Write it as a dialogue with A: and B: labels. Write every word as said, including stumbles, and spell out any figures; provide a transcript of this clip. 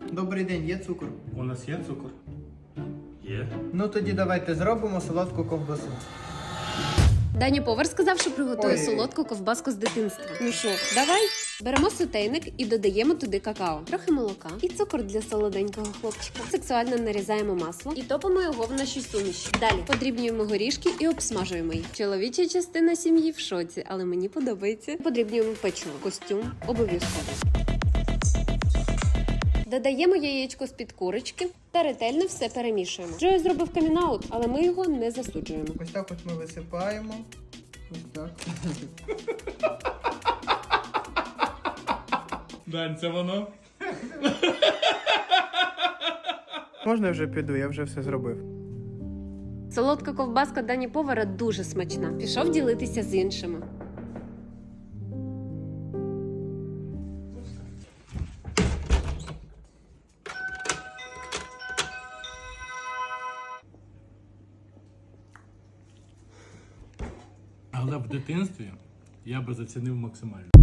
A: Добрий день, є цукор?
B: У нас є цукор? Є.
A: Ну тоді давайте зробимо солодку ковбасу.
C: Даня повар сказав, що приготує
A: Ой.
C: солодку ковбаску з дитинства. Ну що, давай? Беремо сотейник і додаємо туди какао, трохи молока і цукор для солоденького хлопчика. Сексуально нарізаємо масло і топимо його в нашій суміші. Далі подрібнюємо горішки і обсмажуємо їх. Чоловіча частина сім'ї в шоці, але мені подобається. Подрібнюємо печиво, костюм обов'язково. Додаємо яєчко з-під курочки та ретельно все перемішуємо. Джой зробив камінаут, але ми його не засуджуємо.
A: Ось так от ми висипаємо. Ось так.
B: Дань, це воно?
A: Можна я вже піду, я вже все зробив.
C: Солодка ковбаска Дані повара дуже смачна. Пішов ділитися з іншими.
B: Але в дитинстві я би зацінив максимально.